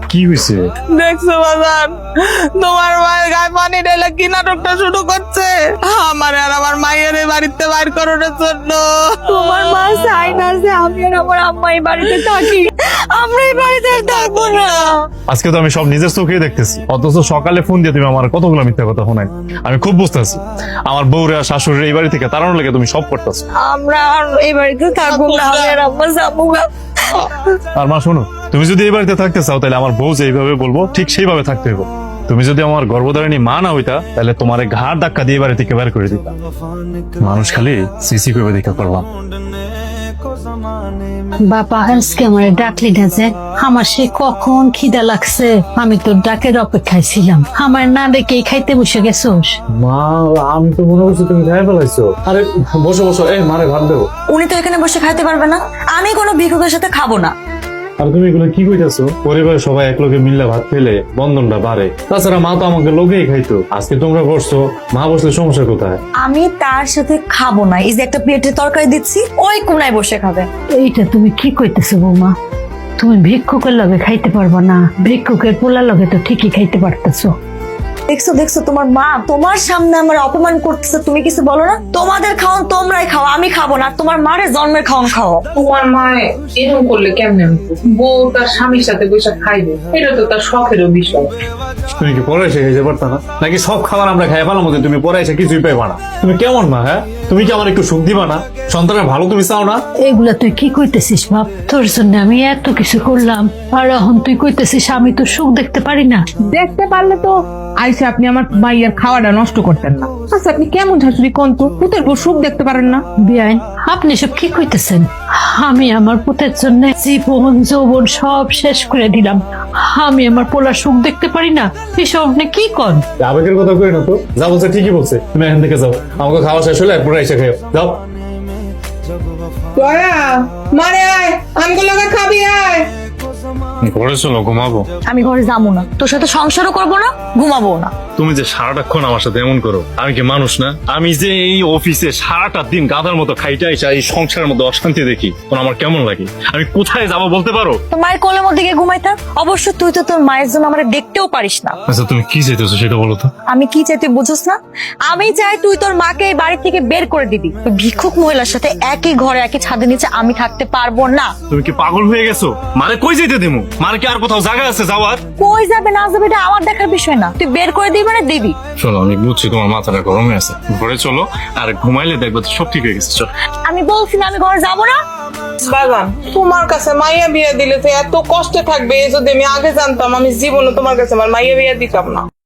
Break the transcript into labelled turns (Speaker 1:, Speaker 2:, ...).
Speaker 1: কি হয়েছে?
Speaker 2: দেখছো বাজান, তোমার মায়ের গায়ে পানি ঢেলে কি নাটকটা শুরু করছে আমার আর আমার মায়ের এই বাড়িতে বাইর করানোর জন্য।
Speaker 3: তোমার মা চাই না যে আমি আর আমার আম্মা এই বাড়িতে থাকি, আমরা এই বাড়িতে আর থাকবো না।
Speaker 1: আজকে তো আমি সব নিজের চোখেই দেখতেছি, অথচ সকালে ফোন দিয়ে তুমি আমার কতগুলো মিথ্যা কথা শোনাই। আমি খুব বুঝতেছি আমার বউরা শাশুড়ি এই বাড়ি থেকে তাড়ানোর লেগে তুমি সব করতেছো।
Speaker 3: আমরা আর এই বাড়িতে থাকবো না, আমি আর আম্মা যাবো না।
Speaker 1: আর মা শোনো, তুমি যদি এই বাড়িতে থাকতে চাও তাহলে আমার বউ যেইভাবে বলবো ঠিক সেইভাবে থাকতে হইব। তুমি যদি আমার গর্ভধারিণী মা না হইতা তাহলে তোমার ঘাড় ধাক্কা দিয়ে বাড়ি থেকে বের করে দিতাম। মানুষ খালি সিসি করে দেখা করলাম।
Speaker 4: বাবা আজকে আমার ডাকলি না যে, আমার সে কখন খিদা লাগছে, আমি তোর ডাকের অপেক্ষায় ছিলাম, আমার না দেখে খাইতে বসে গেছোস।
Speaker 1: মা আমি তো মনে করছি তুমি খাই ফেলাইছো। আরে বসো বসো, এই মারে ভাত দেবো।
Speaker 3: উনি তো এখানে বসে খাইতে পারবে না, আমি কোনো ভিক্ষুকের সাথে খাবো না।
Speaker 1: আর তুমি এগুলো কি কইতাছো? পরিবারের সবাই এক লোকে মিললে ভাত খেলে বন্ধনটা বাড়ে। তাছাড়া মা তো আমাকে লোকেই খাইতো, আজকে তোমরা বসছো, মা বসলে সমস্যা কোথায়?
Speaker 3: আমি তার সাথে খাবো না। এই যে একটা প্লেটে তরকারি দিচ্ছি, ওই কোনায় বসে খাবে।
Speaker 4: এইটা তুমি কি কইতেছো বৌমা? তুমি ভিক্ষুকের লগে খাইতে পারবা না, ভিক্ষুকের পোলার লগে তো ঠিকই খাইতে পারতেছো।
Speaker 3: দেখছো দেখছো, তোমার মা তোমার সামনে আমার অপমান করতেছে, তুমি কিছু বলো না? তোমাদের খাওন তোমরাই খাও, আমি খাবো না। তোমার মারে জন্মের খাওন খাও।
Speaker 5: তোমার মায়ে এরকম করলে কেমনে? বউ তার স্বামীর সাথে বসে খাইবে, এটা তো তার শখেরও বিষয়।
Speaker 1: তুমি কি পরে এসে খাইতে পারতা না? নাকি সব খাবার আমরা খাই ফেলার মধ্যে তুমি পরে এসে কিছুই পাইবা না? তুমি কেমন মা? হ্যাঁ, তুমি কি আমার একটু সুখ দিবা না? সন্তানের ভালো তুমি চাও না?
Speaker 4: এগুলা তুই কি কইতেছিস বাপ? তোর জন্য আমি এত কিছু করলাম, আর এখন তুই কইতেছিস আমি তো সুখ দেখতে পারি না।
Speaker 5: দেখতে পারলে তো আইসে আপনি আমার মাইয়ার খাওয়াটা নষ্ট করতেন না। আচ্ছা আপনি কেমন শাশুড়ি কোন তো? পুতের বউ সুখ দেখতে পারেন না?
Speaker 4: বিয়াইন, আপনি সব কি কইতেছেন? আমি আমার পুতের জন্য জীবন যৌবন সব শেষ করে দিলাম, আমি আমার পোলার সুখ দেখতে পারি না? এসব আপনি কি কন?
Speaker 1: আবেগের কথা কই না তো, যা বলছে ঠিকই বলছে। তুমি এখান থেকে যাও, আমাকে খাওয়া শেষ হলে এরপরে এসে খাও। যাও।
Speaker 2: মারে আয়, আমগুলো খাবি আয়।
Speaker 1: ঘরে চলো, ঘুমাবো।
Speaker 3: আমি ঘরে যাবো না, তোর সাথে সংসারও করবো না, ঘুমাবো না।
Speaker 1: তুমি যে সারাটাক্ষণ আমার সাথে এমন করো, আমি কি মানুষ না? আমি যে এই অফিসে সারাটা দিন গাধার মতো খাইটা আইসা এই সংসারের মধ্যে অশান্তি দেখি, তখন আমার কেমন লাগে? আমি কোথায় যাবো বলতে পারো?
Speaker 3: তোর মায়ের কোলের মধ্যে গিয়ে ঘুমাই থাক। অবশ্য তুই তো তোর মায়ের জন্য আমার দেখতেও পারিস না।
Speaker 1: আচ্ছা তুমি কি চাইতেছো সেটা বলো তো।
Speaker 3: আমি কি চাই তুই বুঝোস না? আমি চাই তুই তোর মাকে এই বাড়ি থেকে বের করে দিবি। ওই ভিক্ষুক মহিলার সাথে একই ঘরে একই ছাদের নিচে আমি থাকতে পারবো না।
Speaker 1: তুমি কি পাগল হয়ে গেছো? মারে কই যেতে দেবো? মারে কি আর কোথাও জায়গা আছে যাওয়ার?
Speaker 3: কই যাবে না যাবে এটা আমার দেখার বিষয় না, তুই বের করে দিবি মানে দিবি।
Speaker 1: চলো, আমি বুঝছি তোমার মাথাটা গরম হয়ে আছে, ঘরে চলো, আর ঘুমাইলে দেখবো তো সব ঠিক হয়ে গেছে। চলো।
Speaker 3: আমি বলছি না আমি ঘরে যাবো না।
Speaker 2: বাজান, তোমার কাছে মাইয়া বিয়ে দিলে তো এত কষ্টে থাকবে, এই যদি আমি আগে জানতাম আমি জীবনে তোমার কাছে আমার মাইয়া বিয়ে দিতাম না।